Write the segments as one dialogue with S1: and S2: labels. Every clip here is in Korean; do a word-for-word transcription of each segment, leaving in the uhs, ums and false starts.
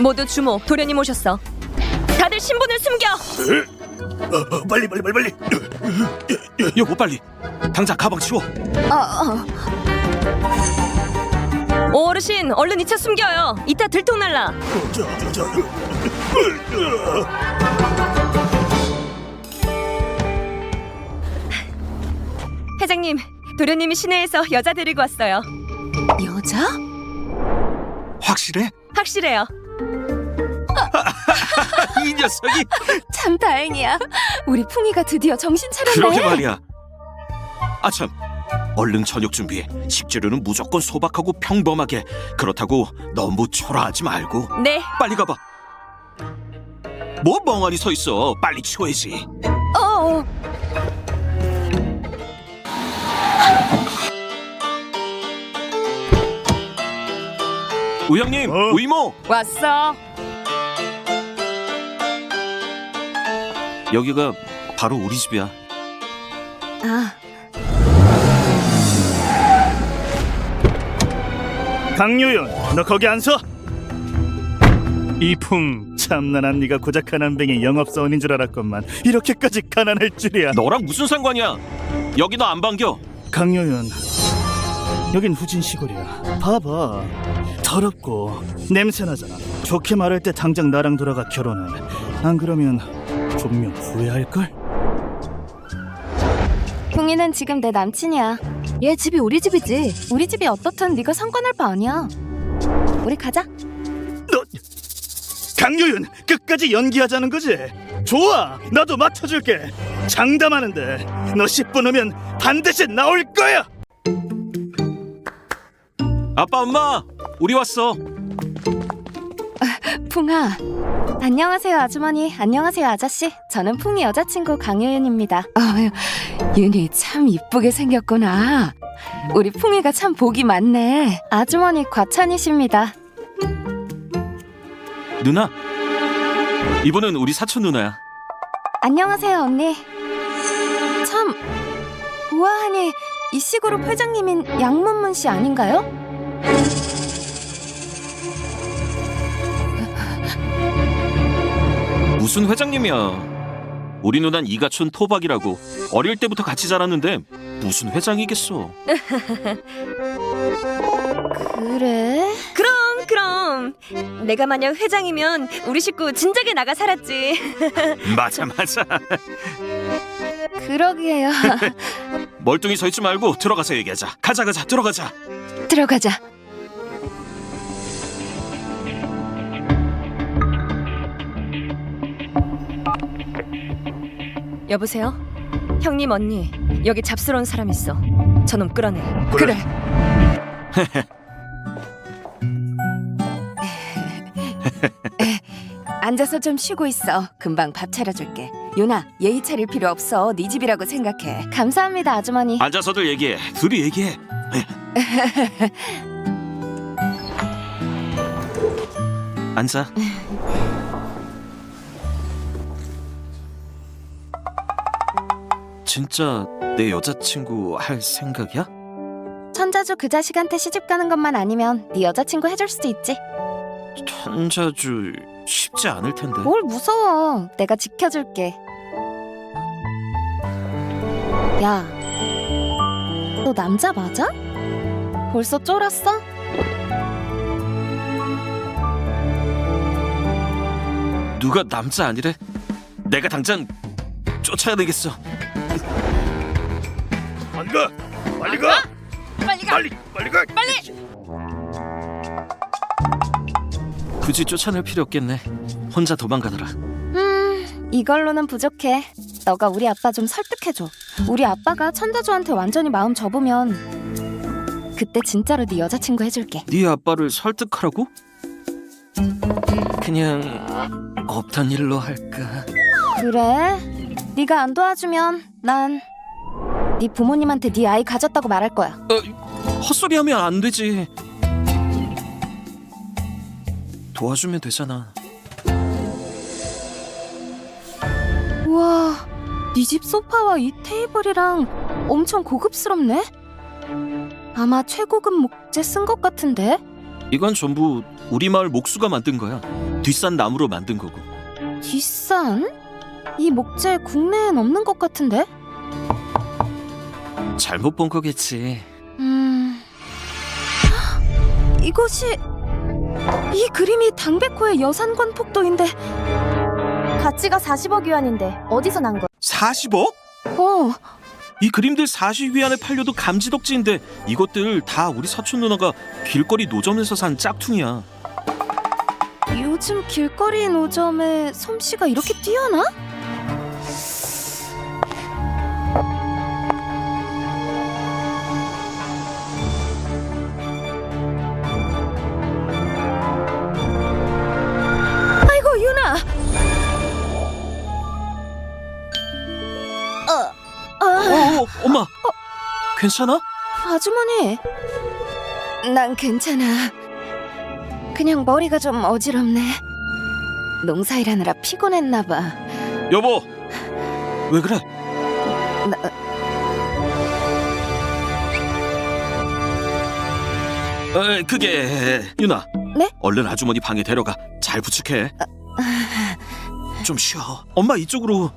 S1: 모두 주목. 도련님 오셨어. 다들 신분을 숨겨.
S2: 어, 어, 빨리 빨리 빨리 빨리.
S3: 여보 빨리 당장 가방 치워.
S1: 어, 어. 어르신, 얼른 이 차 숨겨요. 이따 들통날라.
S2: 어, 저, 저, 저.
S1: 회장님, 도련님이 시내에서 여자 데리고 왔어요.
S4: 여자?
S3: 확실해?
S1: 확실해요.
S3: 이 녀석이.
S4: 참 다행이야. 우리 풍이가 드디어 정신 차렸네.
S3: 그러게 말이야. 아참, 얼른 저녁 준비해. 식재료는 무조건 소박하고 평범하게. 그렇다고 너무 초라하지 말고.
S1: 네.
S3: 빨리 가봐. 뭐 멍하니 서 있어. 빨리 치워야지.
S4: 어.
S3: 우영님,
S2: 어?
S3: 우이모.
S1: 왔어.
S3: 여기가 바로 우리 집이야.
S4: 아,
S2: 강유윤, 너 거기 안 서? 이풍, 참난한 네가 고작 가난뱅이 영업사원인 줄 알았건만 이렇게까지 가난할 줄이야.
S3: 너랑 무슨 상관이야? 여기 너 안 반겨.
S2: 강유윤, 여긴 후진 시골이야. 봐봐, 더럽고 냄새나잖아. 좋게 말할 때 당장 나랑 돌아가 결혼해. 안 그러면 분명 후회할걸?
S4: 풍이는 지금 내 남친이야. 얘 집이 우리 집이지. 우리 집이 어떻든 네가 상관할 바 아니야. 우리 가자.
S2: 너, 강유윤, 끝까지 연기하자는 거지? 좋아, 나도 맞춰줄게. 장담하는데 너 십 분 후면 반드시 나올 거야.
S3: 아빠, 엄마, 우리 왔어.
S4: 풍아. 안녕하세요 아주머니. 안녕하세요 아저씨. 저는 풍이 여자친구 강유윤입니다. 어휴, 윤이 참 이쁘게 생겼구나. 우리 풍이가 참 복이 많네. 아주머니 과찬이십니다.
S3: 누나, 이분은 우리 사촌 누나야.
S4: 안녕하세요 언니. 참 우아하니 이 시그룹 회장님인 양문문 씨 아닌가요?
S3: 무슨 회장님이야. 우리 누난 이가촌 토박이라고. 어릴 때부터 같이 자랐는데 무슨 회장이겠어.
S4: 그래?
S1: 그럼, 그럼. 내가 만약 회장이면 우리 식구 진작에 나가 살았지.
S3: 맞아 맞아.
S4: 그러게요.
S3: 멀뚱히 서 있지 말고 들어가서 얘기하자. 가자 가자 들어가자.
S4: 들어가자.
S1: 여보세요? 형님, 언니, 여기 잡스러운 사람 있어. 저놈 끌어내.
S4: 그래. 앉아서 좀 쉬고 있어. 금방 밥 차려줄게. 유나, 예의 차릴 필요 없어. 네 집이라고 생각해. 감사합니다, 아주머니.
S3: 앉아서들 얘기해. 둘이 얘기해. 앉아. 진짜 내 여자친구 할 생각이야?
S4: 천자주 그 자식한테 시집 가는 것만 아니면 네 여자친구 해줄 수도 있지.
S3: 천자주 쉽지 않을 텐데.
S4: 뭘 무서워. 내가 지켜줄게. 야, 너 남자 맞아? 벌써 쫄았어?
S3: 누가 남자 아니래? 내가 당장 쫓아내겠어.
S2: 안 가, 빨리 가,
S1: 빨리 가.
S2: 빨리 빨리 가.
S1: 빨리.
S3: 굳이 쫓아낼 필요 없겠네. 혼자 도망가더라.
S4: 음, 이걸로는 부족해. 너가 우리 아빠 좀 설득해줘. 우리 아빠가 천자주한테 완전히 마음 접으면 그때 진짜로 네 여자친구 해줄게.
S3: 네 아빠를 설득하라고? 그냥 없던 일로 할까?
S4: 그래? 네가 안 도와주면 난 네 부모님한테 네 아이 가졌다고 말할 거야.
S3: 어, 헛소리하면 안 되지. 도와주면 되잖아.
S4: 우와, 네 집 소파와 이 테이블이랑 엄청 고급스럽네? 아마 최고급 목재 쓴 것 같은데?
S3: 이건 전부 우리 마을 목수가 만든 거야. 뒷산 나무로 만든 거고.
S4: 뒷산? 이 목재 국내엔 없는 것 같은데?
S3: 잘못 본 거겠지.
S4: 음... 이것이... 이 그림이 당백호의 여산관 폭도인데.
S1: 가치가 사십억 위안인데 어디서 난 거야?
S3: 사십억?
S4: 어,
S3: 이 그림들 사십 위안에 팔려도 감지덕지인데 이것들 다 우리 사촌 누나가 길거리 노점에서 산 짝퉁이야.
S4: 요즘 길거리 노점에 솜씨가 이렇게 뛰어나? 아이고 유나! 어, 아,
S3: 어, 엄마. 괜찮아?
S4: 아주머니. 난 괜찮아. 그냥 머리가 좀 어지럽네. 농사일하느라 피곤했나 봐.
S3: 여보. 왜 그래?
S4: 나,
S3: 어, 그게 유나.
S4: 네?
S3: 얼른 아주머니 방에 데려가. 잘 부축해. 좀 쉬어. 엄마 이쪽으로.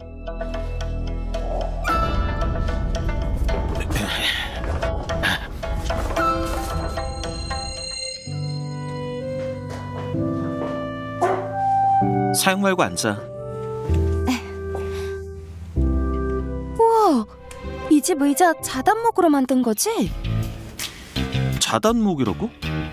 S3: 사양 말고 앉아.
S4: 우와, 이 집 의자 자단목으로 만든 거지?
S3: 자단목이라고?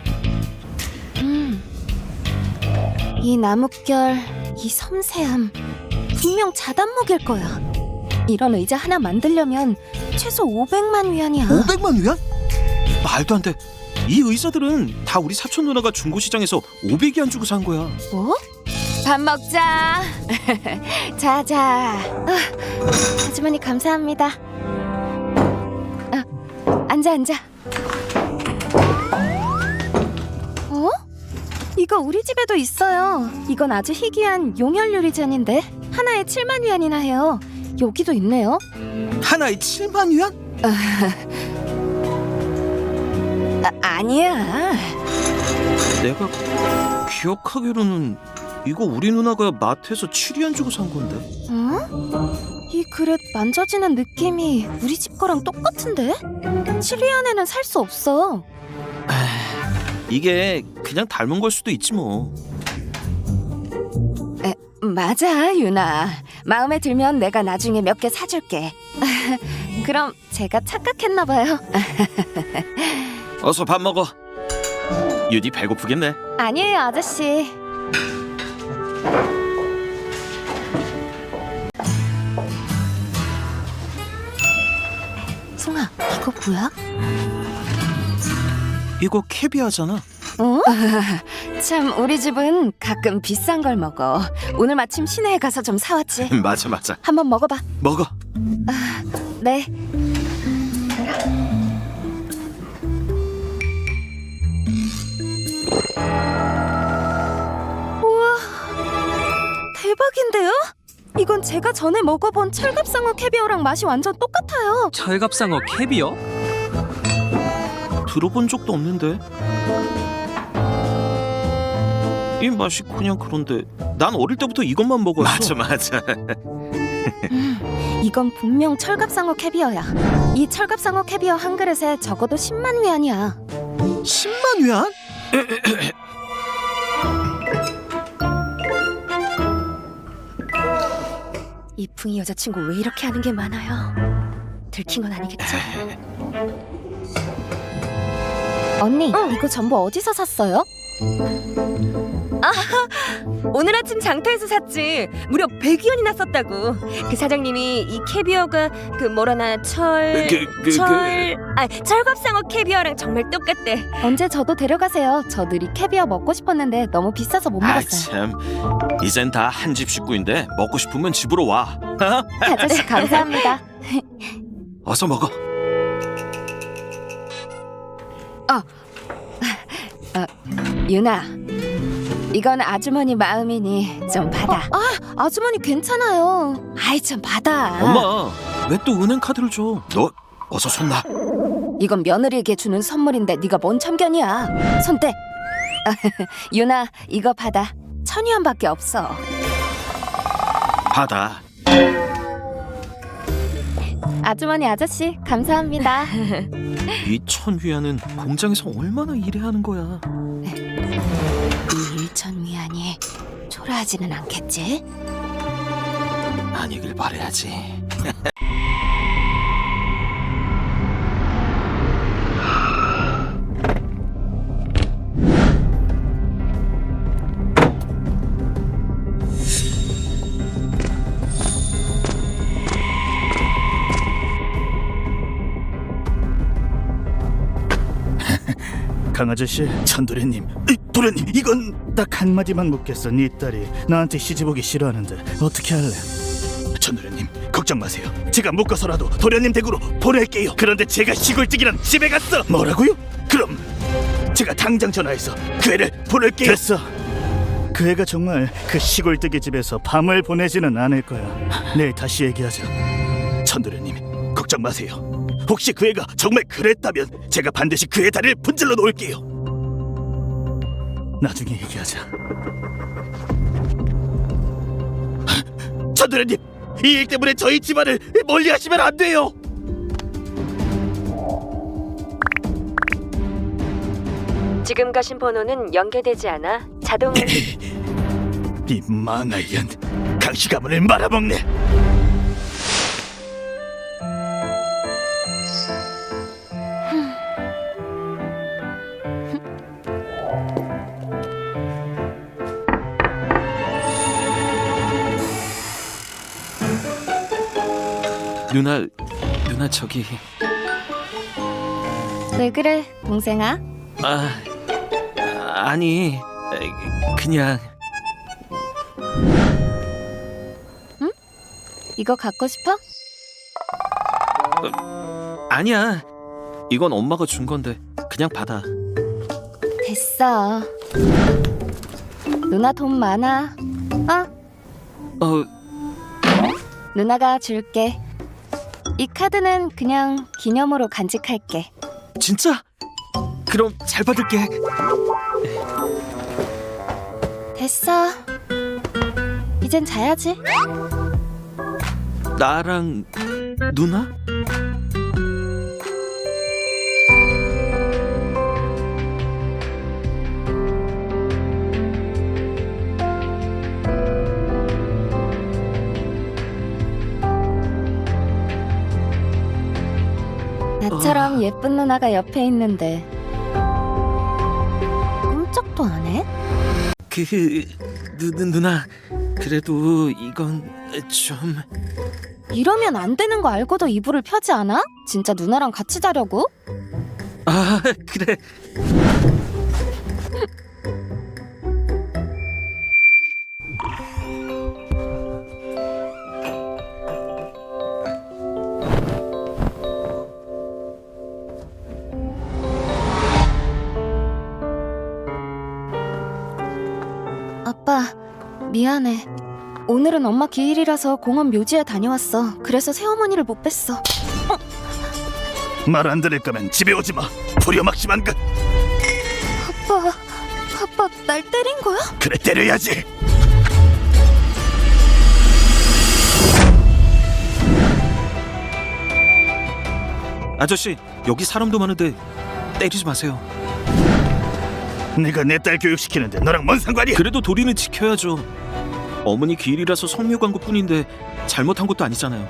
S4: 음. 이 나뭇결, 이 섬세함, 분명 자단목일 거야. 이런 의자 하나 만들려면 최소 오백만 위안이야.
S3: 오백만 위안? 말도 안 돼. 이 의자들은 다 우리 사촌 누나가 중고시장에서 오백 위안 주고 산 거야.
S4: 뭐? 밥 먹자. 자자. 아, 아주머니 감사합니다. 아, 앉아 앉아. 어? 이거 우리 집에도 있어요. 이건 아주 희귀한 용혈 유리잔인데 하나에 칠만 위안이나 해요. 여기도 있네요.
S3: 하나에 칠만 위안?
S4: 아, 아니야.
S3: 내가 기억하기로는 이거 우리 누나가 마트에서 칠 위안 주고 산 건데.
S4: 어? 이 그릇 만져지는 느낌이 우리 집 거랑 똑같은데? 칠 위안에는 살 수 없어.
S3: 이게 그냥 닮은 걸 수도 있지 뭐.
S4: 에, 맞아 유나. 마음에 들면 내가 나중에 몇 개 사줄게. 그럼 제가 착각했나 봐요.
S3: 어서 밥 먹어. 유디 배고프겠네.
S4: 아니에요 아저씨. 송아, 이거 뭐야?
S3: 이거 캐비아잖아.
S4: 어? 참 우리 집은 가끔 비싼 걸 먹어. 오늘 마침 시내에 가서 좀 사왔지.
S3: 맞아 맞아.
S4: 한번 먹어봐.
S3: 먹어.
S4: 네. 우와, 대박인데요? 이건 제가 전에 먹어본 철갑상어 캐비어랑 맛이 완전 똑같아요.
S5: 철갑상어 캐비어?
S3: 들어본 적도 없는데. 이 맛이 그냥 그런데 난 어릴 때부터 이것만 먹었어. 맞아 맞아.
S4: 음, 이건 분명 철갑상어 캐비어야. 이 철갑상어 캐비어 한 그릇에 적어도 십만 위안이야.
S3: 십만 위안?
S1: 이 풍이 여자친구 왜 이렇게 하는 게 많아요? 들킨 건 아니겠죠?
S4: 언니, 이거 전부 어디서 샀어요?
S1: 오늘 아침 장터에서 샀지. 무려 백 위안이나 썼다고. 그 사장님이 이 캐비어가 그 뭐라나 철...
S3: 그, 그,
S1: 철... 아, 철갑상어 캐비어랑 정말 똑같대.
S4: 언제 저도 데려가세요. 저 늘 이 캐비어 먹고 싶었는데 너무 비싸서 못
S3: 아
S4: 먹었어요.
S3: 참. 이젠 다 한 집 식구인데 먹고 싶으면 집으로 와.
S4: 아저씨 감사합니다.
S3: 어서 먹어.
S4: 유나, 이건 아주머니 마음이니 좀 받아. 아, 아주머니 괜찮아요. 아이 좀 받아.
S3: 엄마 왜 또 은행 카드를 줘? 너 어서 손 놔.
S4: 이건 며느리에게 주는 선물인데 네가 뭔 참견이야. 손 떼. 유나, 이거 받아. 천위안밖에 없어.
S3: 받아.
S4: 아주머니 아저씨 감사합니다.
S3: 이 천위안은 공장에서 얼마나 일해야 하는 거야?
S4: 이 일천위안이 초라하지는 않겠지?
S3: 아니길 바라야지.
S2: 강아저씨, 천도련님, 이, 도련님, 이건 딱 한마디만 묻겠어. 네 딸이 나한테 시집오기 싫어하는데 어떻게 할래? 천도련님, 걱정 마세요. 제가 묶어서라도 도련님 댁으로 보낼게요. 그런데 제가 시골집이랑 집에 갔어. 뭐라고요? 그럼 제가 당장 전화해서 그 애를 보낼게요. 됐어. 그 애가 정말 그 시골뜨기 집에서 밤을 보내지는 않을 거야. 내일 다시 얘기하자. 천도련님, 걱정 마세요. 혹시 그 애가 정말 그랬다면 제가 반드시 그 애 다리를 분질러 놓을게요. 나중에 얘기하자. 천도련님, 이 일 때문에 저희 집안을 멀리하시면 안 돼요.
S1: 지금 가신 번호는 연계되지 않아 자동.
S2: 이 망할 년, 강씨 가문을 말아먹네.
S3: 누나, 누나 저기.
S4: 왜 그래 동생아?
S3: 아, 아니, 그냥.
S4: 이거 갖고 싶어?
S3: 아니야. 이건 엄마가 준 건데 그냥 받아.
S4: 됐어. 누나 돈 많아. 어?
S3: 어,
S4: 누나가 줄게. 이 카드는 그냥 기념으로 간직할게.
S3: 진짜? 그럼 잘 받을게.
S4: 됐어. 이젠 자야지.
S3: 나랑 누나?
S4: 나처럼 예쁜 누나가 옆에 있는데 꼼짝도 안 해?
S3: 그 누, 누, 누나 그래도 이건 좀.
S4: 이러면 안 되는 거 알고도 이불을 펴지 않아? 진짜 누나랑 같이 자려고?
S3: 아 그래.
S4: 아빠, 미안해. 오늘은 엄마 기일이라서 공원 묘지에 다녀왔어. 그래서 새어머니를 못 뵀어.
S2: 말 안 들을 거면 집에 오지 마. 불효막심한 것.
S4: 아빠, 아빠 날 때린 거야?
S2: 그래, 때려야지.
S3: 아저씨 여기 사람도 많은데 때리지 마세요.
S2: 네가 내 딸 교육시키는데 너랑 뭔 상관이야?
S3: 그래도 도리는 지켜야죠. 어머니 기일이라서 성묘 간 것뿐인데 잘못한 것도 아니잖아요.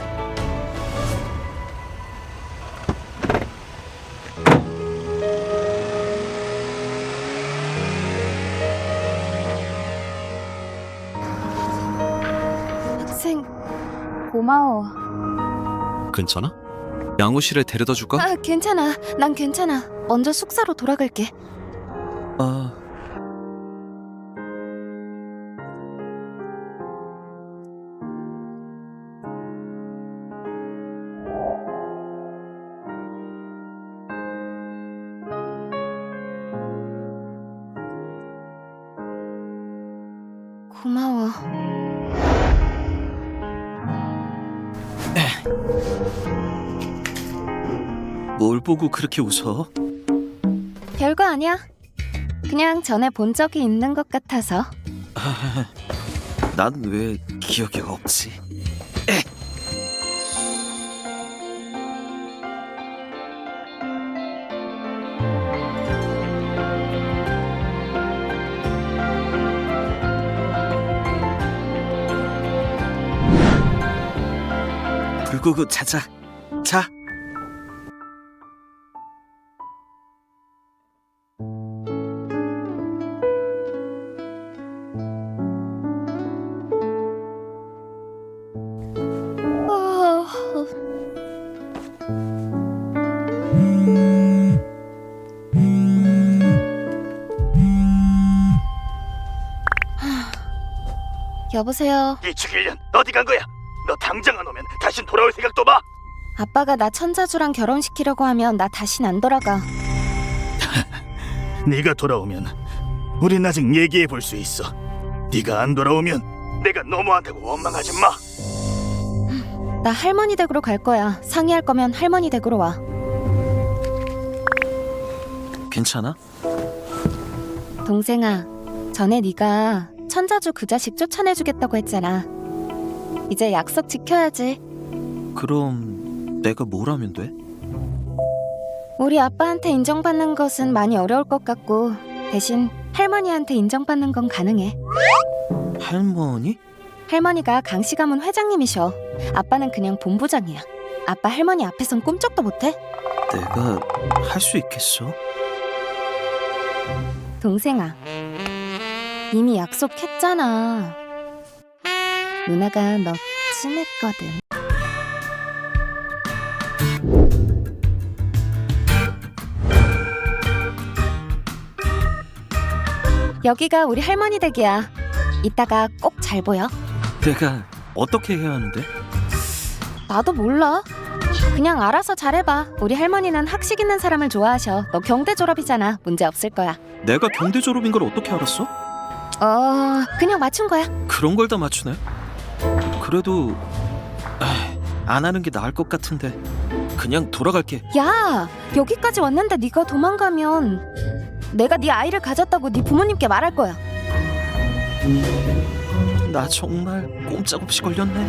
S4: 학생, 고마워.
S5: 괜찮아? 양호실에 데려다 줄까?
S4: 아, 괜찮아. 난 괜찮아. 먼저 숙사로 돌아갈게.
S3: 아...
S4: 고마워.
S3: 뭘 보고 그렇게 웃어?
S4: 별거 아니야. 그냥 전에 본 적이 있는 것 같아서.
S3: 난 왜 기억이 없지? 불 끄고 자자. 자.
S4: 여보세요.
S2: 이축일 년 어디 간 거야? 너 당장 안 오면 다신 돌아올 생각도 마.
S4: 아빠가 나 천자주랑 결혼시키려고 하면 나 다신 안 돌아가.
S2: 네가 돌아오면 우린 아직 얘기해 볼 수 있어. 네가 안 돌아오면 내가 너무한다고 원망하지 마.
S4: 나 할머니 댁으로 갈 거야. 상의할 거면 할머니 댁으로 와.
S3: 괜찮아?
S4: 동생아, 전에 네가 천자주 그 자식 쫓아내주겠다고 했잖아. 이제 약속 지켜야지.
S3: 그럼 내가 뭘 하면 돼?
S4: 우리 아빠한테 인정받는 것은 많이 어려울 것 같고 대신 할머니한테 인정받는 건 가능해.
S3: 할머니?
S4: 할머니가 강씨 가문 회장님이셔. 아빠는 그냥 본부장이야. 아빠 할머니 앞에선 꿈쩍도 못해?
S3: 내가 할 수 있겠어?
S4: 동생아, 이미 약속했잖아. 누나가 너 친했거든. 여기가 우리 할머니 댁이야. 이따가 꼭 잘 보여.
S3: 내가 어떻게 해야 하는데?
S4: 나도 몰라. 그냥 알아서 잘해봐. 우리 할머니는 학식 있는 사람을 좋아하셔. 너 경대 졸업이잖아. 문제 없을 거야.
S3: 내가 경대 졸업인 걸 어떻게 알았어?
S4: 어, 그냥 맞춘 거야.
S3: 그런 걸 다 맞추네. 그래도 에이, 안 하는 게 나을 것 같은데 그냥 돌아갈게.
S4: 야, 여기까지 왔는데 네가 도망가면 내가 네 아이를 가졌다고 네 부모님께 말할 거야.
S3: 나 정말 꼼짝없이 걸렸네.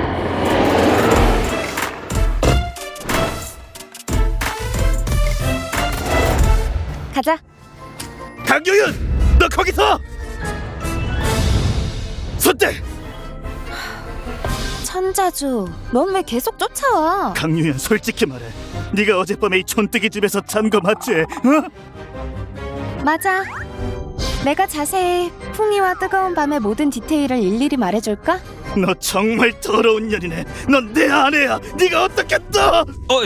S4: 가자.
S2: 강유윤, 너 거기서! 손대!
S4: 천자주, 넌 왜 계속 쫓아와?
S2: 강유윤, 솔직히 말해. 네가 어젯밤에 이 촌뜨기 집에서 잔 거 맞지? 어?
S4: 맞아. 내가 자세히 풍이와 뜨거운 밤의 모든 디테일을 일일이 말해줄까?
S2: 너 정말 더러운 년이네. 넌 내 아내야. 네가 어떻게 또?
S3: 어이.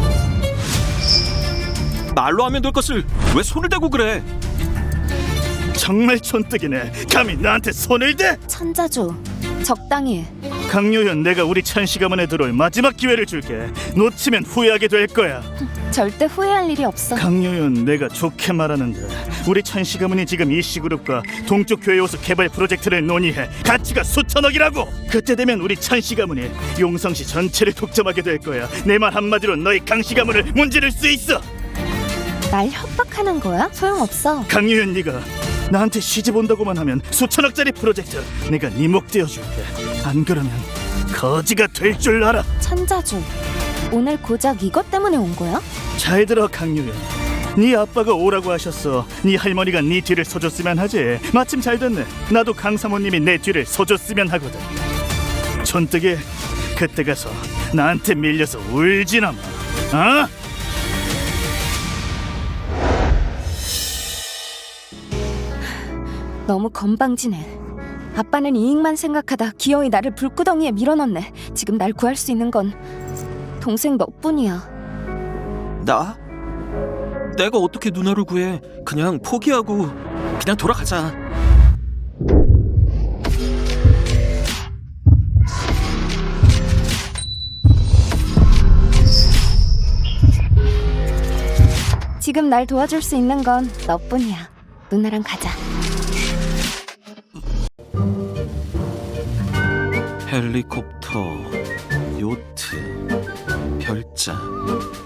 S3: 말로 하면 될 것을 왜 손을 대고 그래?
S2: 정말 촌뜨기네. 감히 나한테 손을 대?
S4: 천자주, 적당히 해.
S2: 강유현, 내가 우리 찬씨 가문에 들어올 마지막 기회를 줄게. 놓치면 후회하게 될 거야.
S4: 절대 후회할 일이 없어.
S2: 강유현, 내가 좋게 말하는데 우리 찬씨 가문이 지금 이씨그룹과 동쪽 교회 호수 개발 프로젝트를 논의해. 가치가 수천억이라고. 그때 되면 우리 찬씨 가문이 용성시 전체를 독점하게 될 거야. 내 말 한마디로 너희 강씨 가문을 문지를 수 있어.
S4: 날 협박하는 거야? 소용없어.
S2: 강유현, 네가 나한테 시집 온다고만 하면 수천억짜리 프로젝트 내가 네 목 떼어줄게. 안 그러면 거지가 될 줄 알아.
S4: 천자주, 오늘 고작 이것 때문에 온 거야?
S2: 잘 들어 강유현. 네 아빠가 오라고 하셨어. 네 할머니가 네 뒤를 서줬으면 하지. 마침 잘 됐네. 나도 강 사모님이 내 뒤를 서줬으면 하거든. 촌뜨기, 그때 가서 나한테 밀려서 울지나 마. 어?
S4: 너무 건방지네. 아빠는 이익만 생각하다 기어이 나를 불구덩이에 밀어넣네. 지금 날 구할 수 있는 건 동생 너뿐이야.
S3: 나? 내가 어떻게 누나를 구해? 그냥 포기하고 그냥 돌아가자.
S4: 지금 날 도와줄 수 있는 건 너뿐이야. 누나랑 가자.
S3: 헬리콥터, 요트, 별장.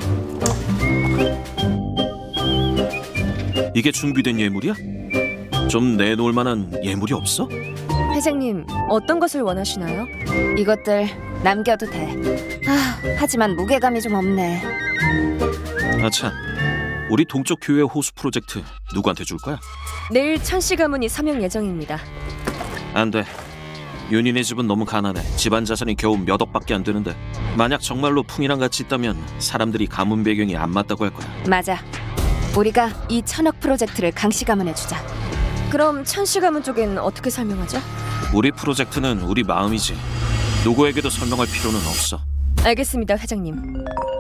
S3: 이게 준비된 예물이야? 좀 좀 내놓을 만한 예물이 없어?
S1: 회장님, 어떤 것을 원하시나요?
S4: 이것들 남겨도 돼. 아, 하지만 무게감이 좀 없네.
S3: 아참, 우리 동쪽 교회 호수 프로젝트 누구한테 줄 거야?
S1: 내일 천씨 가문이 서명 예정입니다.
S3: 안 돼. 윤희네 집은 너무 가난해. 집안 자산이 겨우 몇 억밖에 안 되는데 만약 정말로 풍이랑 같이 있다면 사람들이 가문 배경이 안 맞다고 할 거야.
S4: 맞아. 우리가 이 천억 프로젝트를 강씨 가문에 주자.
S1: 그럼 천씨 가문 쪽엔 어떻게 설명하죠?
S3: 우리 프로젝트는 우리 마음이지. 누구에게도 설명할 필요는 없어.
S1: 알겠습니다, 회장님.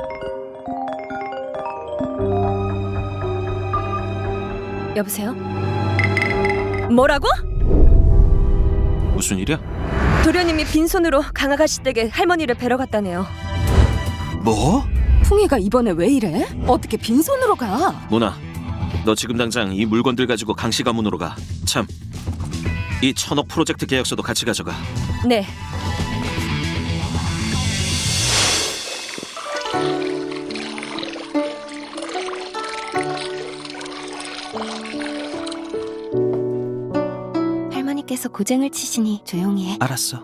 S1: 여보세요? 뭐라고?
S3: 무슨 일이야?
S1: 도련님이 빈손으로 강아가씨 댁에 할머니를 뵈러 갔다네요.
S3: 뭐?
S4: 풍이가 이번에 왜 이래? 어떻게 빈손으로 가?
S3: 모나, 너 지금 당장 이 물건들 가지고 강씨 가문으로 가. 참, 이 천억 프로젝트 계약서도 같이 가져가.
S1: 네.
S4: 할머니께서 고쟁을 치시니 조용히 해.
S3: 알았어.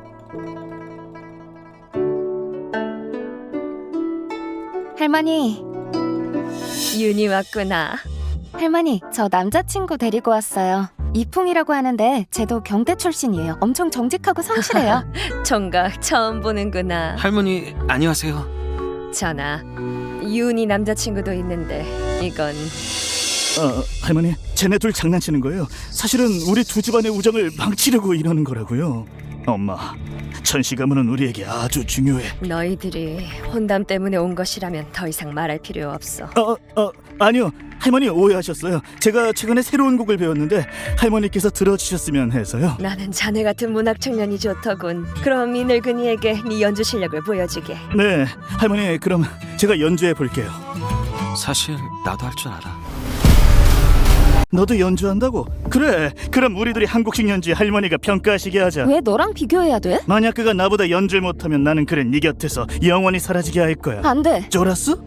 S4: 할머니,
S1: 윤이 왔구나.
S4: 할머니, 저 남자친구 데리고 왔어요. 이풍이라고 하는데 쟤도 경대 출신이에요. 엄청 정직하고 성실해요.
S1: 총각 처음 보는구나.
S5: 할머니 안녕하세요.
S1: 전하, 윤이 남자친구도 있는데 이건
S2: 어, 할머니, 쟤네 둘 장난치는 거예요. 사실은 우리 두 집안의 우정을 망치려고 이러는 거라고요. 엄마, 천씨 가문은 우리에게 아주 중요해.
S1: 너희들이 혼담 때문에 온 것이라면 더 이상 말할 필요 없어.
S2: 어, 어, 아니요. 할머니 오해하셨어요. 제가 최근에 새로운 곡을 배웠는데 할머니께서 들어주셨으면 해서요.
S1: 나는 자네 같은 문학 청년이 좋더군. 그럼 이 늙은이에게 네 연주 실력을 보여주게.
S2: 네, 할머니, 그럼 제가 연주해 볼게요.
S5: 사실 나도 할 줄 알아.
S2: 너도 연주한다고? 그래, 그럼 우리들이 한국식 연주에 할머니가 평가하시게 하자.
S4: 왜 너랑 비교해야 돼?
S2: 만약 그가 나보다 연주를 못하면 나는 그래 네 곁에서 영원히 사라지게 할 거야.
S4: 안 돼.
S2: 쫄았어?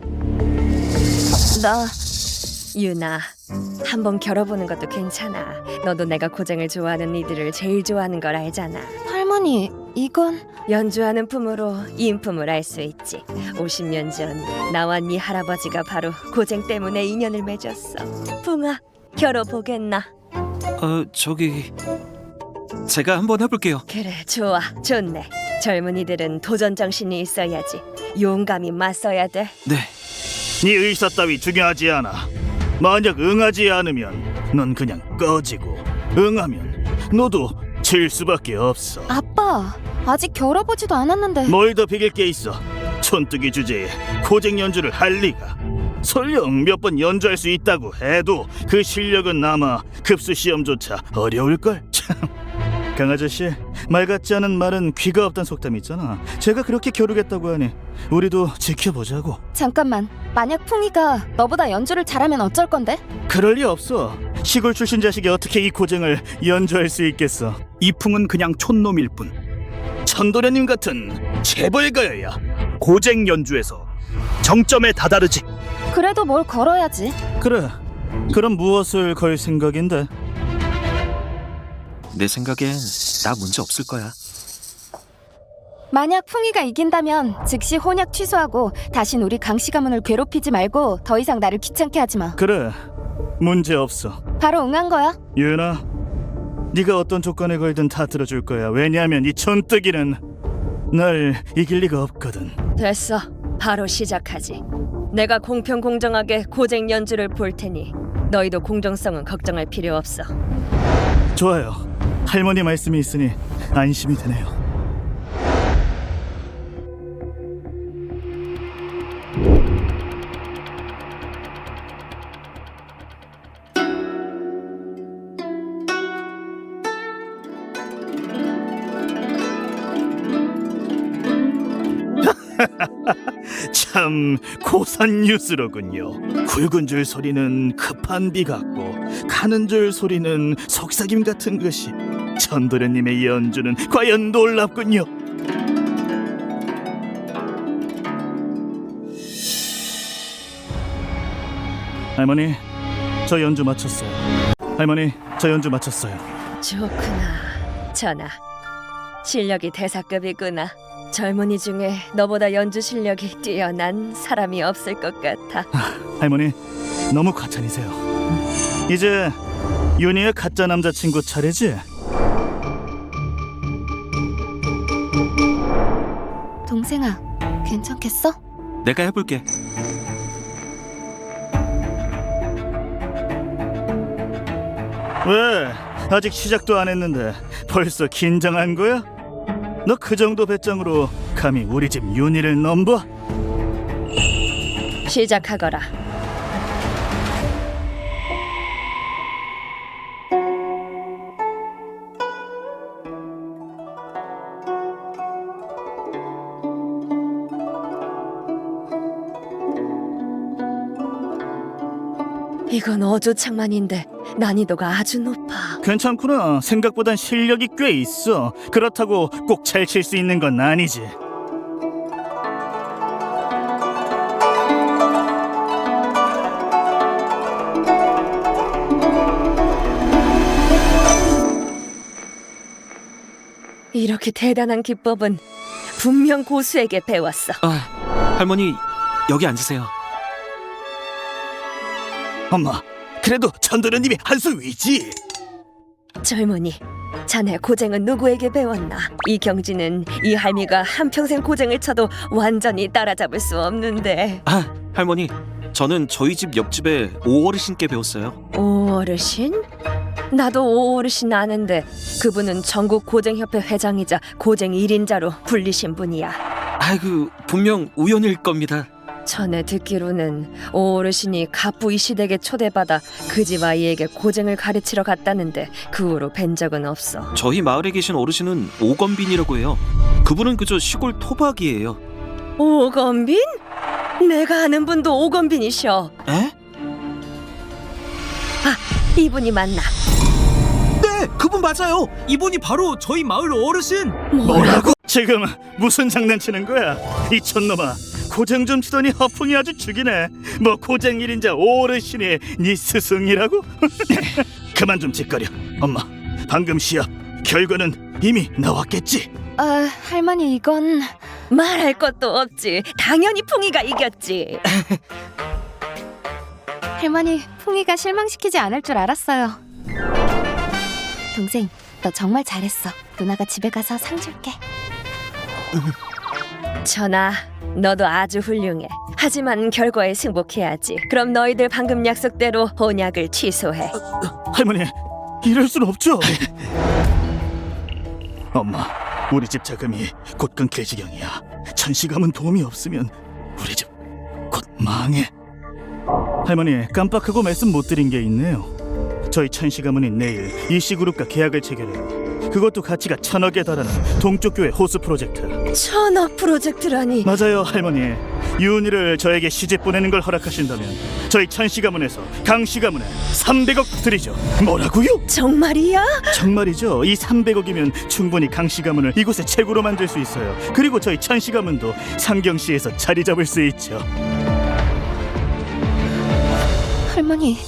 S4: 나
S1: 윤아, 한번 겨뤄보는 것도 괜찮아. 너도 내가 고쟁을 좋아하는 이들을 제일 좋아하는 걸 알잖아.
S4: 할머니, 이건
S1: 연주하는 품으로 인품을 알 수 있지. 오십 년 전 나와 네 할아버지가 바로 고쟁 때문에 인연을 맺었어. 풍아, 겨뤄보겠나?
S5: 어 저기 제가 한번 해볼게요.
S1: 그래, 좋아, 좋네. 젊은이들은 도전 정신이 있어야지. 용감히 맞서야 돼.
S5: 네.
S2: 네 의사 따위 중요하지 않아. 만약 응하지 않으면 넌 그냥 꺼지고, 응하면 너도 질 수밖에 없어.
S4: 아빠, 아직 겨뤄보지도 않았는데.
S2: 뭘 더 비길 게 있어. 촌뜨기 주제에 고쟁 연주를 할 리가. 설령 몇 번 연주할 수 있다고 해도 그 실력은 아마 급수 시험조차 어려울걸. 참, 강아저씨, 말 같지 않은 말은 귀가 없단 속담이 있잖아. 제가 그렇게 겨루겠다고 하니 우리도 지켜보자고.
S4: 잠깐만, 만약 풍이가 너보다 연주를 잘하면 어쩔 건데?
S2: 그럴 리 없어. 시골 출신 자식이 어떻게 이 고쟁을 연주할 수 있겠어. 이풍은 그냥 촌놈일 뿐. 천도련님 같은 재벌가여야 고쟁 연주에서 정점에 다다르지.
S4: 그래도 뭘 걸어야지.
S2: 그래, 그럼 무엇을 걸 생각인데?
S5: 내 생각엔 나 문제 없을 거야.
S4: 만약 풍이가 이긴다면 즉시 혼약 취소하고 다신 우리 강씨 가문을 괴롭히지 말고 더 이상 나를 귀찮게 하지 마.
S2: 그래, 문제 없어.
S4: 바로 응한 거야.
S2: 유은아, 네가 어떤 조건에 걸든 다 들어줄 거야. 왜냐하면 이 촌뜨기는 날 이길 리가 없거든.
S1: 됐어, 바로 시작하지. 내가 공평 공정하게 고쟁 연주를 볼 테니 너희도 공정성은 걱정할 필요 없어.
S2: 좋아요. 할머니 말씀이 있으니 안심이 되네요. 참 고산 뉴스로군요. 굵은 줄 소리는 급한 비 같고 가는 줄 소리는 속삭임 같은 것이. 천도련님의 연주는 과연 놀랍군요. 할머니, 저 연주 마쳤어요. 할머니, 저 연주 마쳤어요.
S1: 좋구나. 전하, 실력이 대사급이구나. 젊은이 중에 너보다 연주 실력이 뛰어난 사람이 없을 것 같아.
S2: 할머니, 너무 과찬이세요. 이제 윤희의 가짜 남자친구 차례지?
S4: 동생아, 괜찮겠어?
S5: 내가 해볼게.
S2: 왜? 아직 시작도 안 했는데 벌써 긴장한 거야? 너 그 정도 배짱으로 감히 우리 집 윤희를 넘봐?
S1: 시작하거라. 이건 어조창만인데 난이도가 아주 높아.
S2: 괜찮구나. 생각보단 실력이 꽤 있어. 그렇다고 꼭 잘 칠 수 있는 건 아니지.
S1: 이렇게 대단한 기법은 분명 고수에게 배웠어.
S5: 아, 할머니 여기 앉으세요.
S2: 엄마, 그래도 전도련님이 한 수 위지.
S1: 젊은이, 자네 고쟁은 누구에게 배웠나? 이 경지는 이 할미가 한평생 고쟁을 쳐도 완전히 따라잡을 수 없는데.
S5: 아, 할머니 저는 저희 집 옆집에 오어르신께 배웠어요.
S1: 오 어르신? 나도 오 어르신 아는데 그분은 전국 고쟁협회 회장이자 고쟁 일 인자로 불리신 분이야.
S5: 아이고, 분명 우연일 겁니다.
S1: 전에 듣기로는 오 어르신이 갑부 이시댁에 초대받아 그 집 아이에게 고쟁을 가르치러 갔다는데 그 후로 뵌 적은 없어.
S5: 저희 마을에 계신 어르신은 오건빈이라고 해요. 그분은 그저 시골 토박이에요.
S1: 오건빈? 내가 아는 분도 오건빈이셔.
S5: 에?
S1: 이분이 맞나?
S5: 네, 그분 맞아요. 이분이 바로 저희 마을 어르신.
S2: 뭐라고? 지금 무슨 장난치는 거야? 이 촌놈아, 고쟁 좀 치더니 허풍이 아주 죽이네. 뭐 고쟁 일 인자 오어르신이 네 스승이라고? 그만 좀 짓거려. 엄마, 방금 시합 결과는 이미 나왔겠지?
S4: 아, 할머니 이건...
S1: 말할 것도 없지. 당연히 풍이가 이겼지.
S4: 할머니, 풍이가 실망시키지 않을 줄 알았어요. 동생, 너 정말 잘했어. 누나가 집에 가서 상 줄게.
S1: 전하, 너도 아주 훌륭해. 하지만 결과에 승복해야지. 그럼 너희들 방금 약속대로 혼약을 취소해.
S2: 할머니, 이럴 순 없죠. 엄마, 우리 집 자금이 곧 끊길 지경이야. 천시감은 도움이 없으면 우리 집 곧 망해. 할머니, 깜빡하고 말씀 못 드린 게 있네요. 저희 천시 가문이 내일 이씨그룹과 계약을 체결해요. 그것도 가치가 천억에 달하는 동쪽 교회 호수 프로젝트.
S1: 천억 프로젝트라니.
S2: 맞아요, 할머니. 유은이를 저에게 시집 보내는 걸 허락하신다면 저희 천시 가문에서 강씨 가문에 삼백억 드리죠. 뭐라고요?
S1: 정말이야?
S2: 정말이죠. 이 삼백억이면 충분히 강씨 가문을 이곳의 최고로 만들 수 있어요. 그리고 저희 천시 가문도 상경시에서 자리 잡을 수 있죠.
S4: 할머니,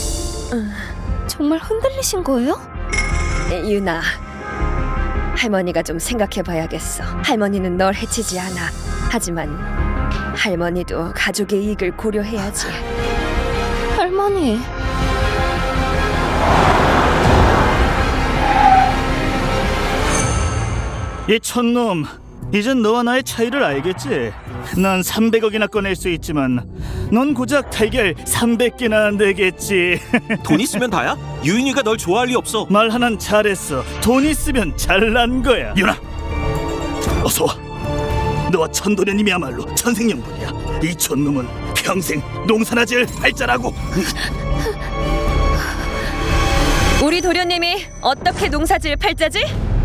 S4: 정말 흔들리신 거예요?
S1: 유나, 할머니가 좀 생각해봐야겠어. 할머니는 널 해치지 않아. 하지만 할머니도 가족의 이익을 고려해야지.
S4: 할머니...
S2: 이 촌놈, 이젠 너와 나의 차이를 알겠지? 난 삼백억이나 꺼낼 수 있지만 넌 고작 달걀 삼백 개나 안 되겠지.
S5: 돈 있으면 다야? 유인이가 널 좋아할 리 없어.
S2: 말 하나는 잘했어. 돈 있으면 잘난 거야. 유나, 어서 와. 너와 천도련님이야말로 천생연분이야. 이 촌놈은 평생 농사나 지을 팔자라고.
S1: 우리 도련님이 어떻게 농사지을 팔자지?